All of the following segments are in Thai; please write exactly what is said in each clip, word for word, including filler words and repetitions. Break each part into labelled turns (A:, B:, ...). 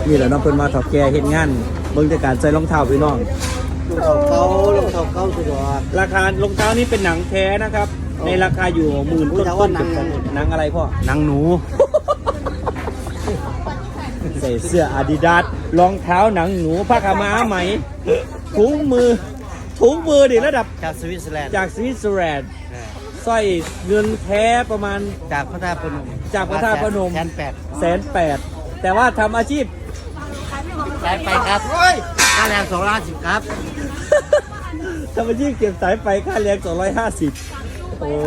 A: นี่แหละน้องเพิ่นมาถอดแก่เฮ็ดงานเบิ่งแต่การใส่รองเท้าพี่น้อง
B: รองเท้าเขารองเท้าเขาสุดยอด
A: ราคารองเท้านี้เป็นหนังแท้นะครับในราคาอยู่หมื่นต้นต้นหนังหนังอะไรพ่อหนังหนู ใส่เสื้ออาดิดาสรองเท้าหนังหนูผ้าขาวม้าไหมถุงมือถุงมือดิระดับ
B: จากสวิตเซอร์แลนด์
A: จากสวิตเซอร์แลนด์สร้อยเงินแท้ประมาณ
B: จากพระธาตุพนม
A: จากพระธาตุพนม
B: แสนแปด
A: แสนแปดแต่ว่าทำอาชีพ
B: สายไปครับค่าแรงสองล้านสิบครับ
A: ทำอาชีพเก็บสายไฟค่าแรงสองร้อยห้าสิบโอ้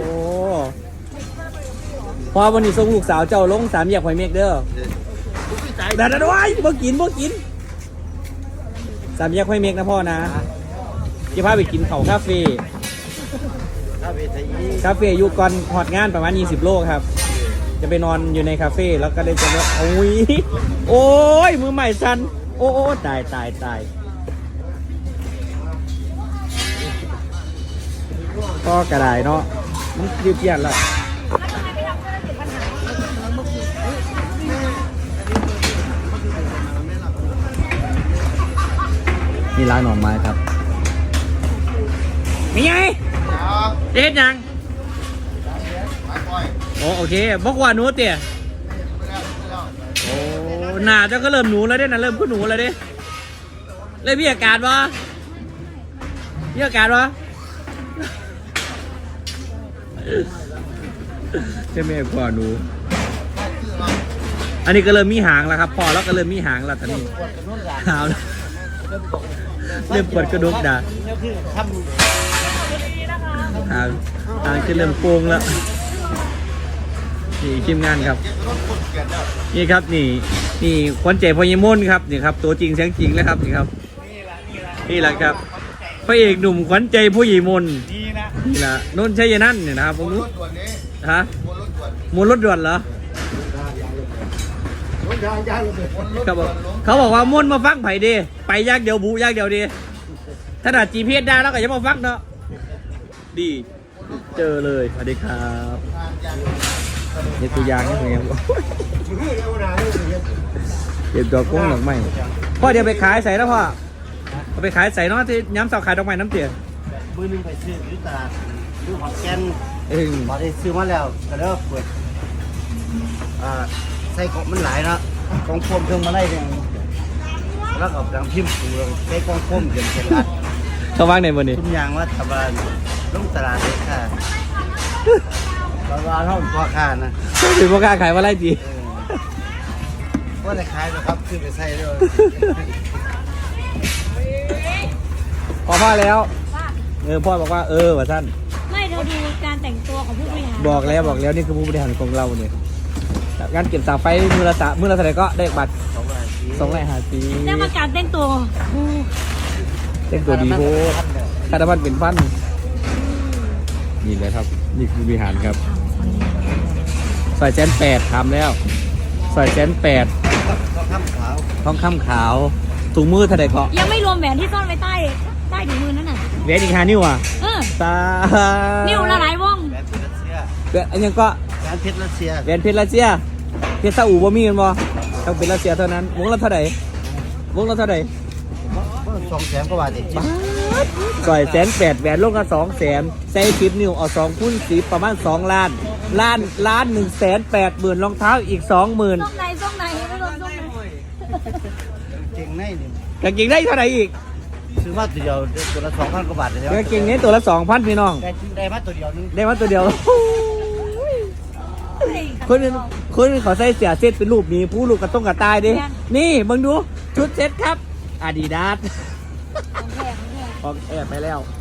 A: พอวันนี้ส่งลูกสาวเจ้าลงสามแยกหอยเมกเด้อแต่ดันไว้บ่กินบ่กินสามแยกหอยเมกนะพ่อนะจะพาไปกินเขาคาเฟ่
B: คาเฟ่ไทย
A: คาเฟ่อยู่ก่อนหอดงานประมาณยี่สิบโลครับจะไปนอนอยู่ในคาเฟ่แล้วก็ได้จะว่าโอ้ยโอ้ยมือใหม่สันโอ้โอ้ตายตายตายก็กระไดเนาะมันยืดเยียดละนี่ร้านหน่อไม้ครับมีไงเด็ดยังโอ้โอเคบอกว่าหนูเตี่ยโอ้หนาเจ้าก็เริ่มหนูแล้วเด้นะเริ่มขึ้นหนูแล้วเด้เลยมีอาการวะมีอาการวะใช่ไหมพ่อหนูอันนี้ก็เริ่มมีหางแล้วครับพ่อแล้วก็เริ่มมีหางแล้วตอนนี้หาวเริ่มปวดกระดูกด่าหางหางจะเริ่มโป่งแล้วนี่ทีมงานครับนี่ครับนี่นี่ควันใจพญมนครับนี่ครับตัวจริงเสียงจริงแล้วครับนี่ครับนี่แหละครับพระเอกหนุ่มขวัญใจผู้หญิงมนนี่แหละนนท์ชัยนันท์เนี่ยนะครับผมรู้ฮะมวนรถด่วนเหรอเขาบอกเขาบอกว่ามวนมาฟังไผ่ดีไปยากเดียวบุยากเดียวดีถ้าดัดจีพีเอสได้แล้วก็จะมาฟังเนาะดีเจอเลยสวัสดีครับนี่ตัวยางนี่ไงครับเก็บดอกกุ้งหลังใหม่พ่อเดี๋ยวไปขายใส่แล้วพ่อเอาไปขายใส่เนาะที่ย้ำเสาขายดอกไม้น้ำเตี๋ย
B: มือหนึ่งไปซื้อที่ตลาดซื้อหอดแกน
A: เอง
B: พอได้ซื้อมาแล้วก็เริ่มเปิดอ่าใส่ของมันหลายเนาะกองโฟมเครื่องมาไล่เนี่ยแล้วก็ดังพิมพ์ปูใส่กองโฟมเดือนเป็นลัด
A: เขาว่างในวันนี้
B: ทุกอย่างว่าทำอะไรลงตลาดเลยค่ะตลาดเท่าพ่อค้านะ
A: ถือพ่อค้าขายว่าไรจี
B: ว่าจะขายนะครับขึ้นไปใส่ด้วย
A: พอพ่อแล้วเออพ่อบอกว่าเออว่าท่าน
C: ไม่เราดูการแต่งตัวของผู้บริหาร
A: บอกแล้วบอกแล้วนี่คือผู้บริหารของเราเนี่ยงานเก็บสาไฟมือละสามือละเท่าไหร่ก็ได้บัตร
B: สองร้อยสี่
A: สองร้อยห้าสิบ
C: ได้มาการแต่งตัวโอ้
A: เต้นตัวดีโพคาร์ดมันเป็นฟันนี่เลยครับนี่คือผู้บริหารครับซอยแสนแปดทำแล้วซอยแสนแปด
B: ก็ข้ามขาว
A: ทองคำขาวถุงมือเท่าไหร่ก็
C: ยังไม่รวมแหวนที่ซ่อนไว้ใต้ใต้ถุงมือนั่นน่ะ
A: แหวนอีกห้านิ้วอ่ะ
C: เออ
A: ตา
C: นิ้วละหลายวง
B: แหวนเพชรรัสเซีย
A: แหวนอันยังก็
B: แหวนเพชรรัสเซีย
A: แหวนเพชรรัสเซียเพชรซาอุบ่มีกันบ่ต้องเป็นรัสเซียเท่านั้นวงละเท่าไหร่วงละเท่าไหร่
B: สองแสนกว่าบาทเอง
A: ซอยแสนแปดแหวนลงกันสองแสนใส่คลิปนิ้วเอาสองคูณสิบประมาณสองล้านล้านล้านหนึ่งแสนแปดหมื่นรองเท้าอีกสองหมื่น
C: ซ่องในซ่องในไม่รวมซ่องใน
B: เก่งในนี่
A: กางเกงได้เท่าไหร่อีก
B: ซื้อมาตัวเดียวตัวละสองพันกว่าบาทเลย
A: กางเกงนี้ตัวละสองพันพี่น้อง
B: ได้ได้มาตัวเดียวนึง
A: ได้มาตัวเดียวคนอื่นคนอื่นเขาใส่เสียเซตเป็นรูปนี้ผู้ลูกกระต้องกระตายดินี่มึงดูชุดเซตครับอาดิดาส
C: ของแพงของแพง
A: ออกแอบไปแล้ว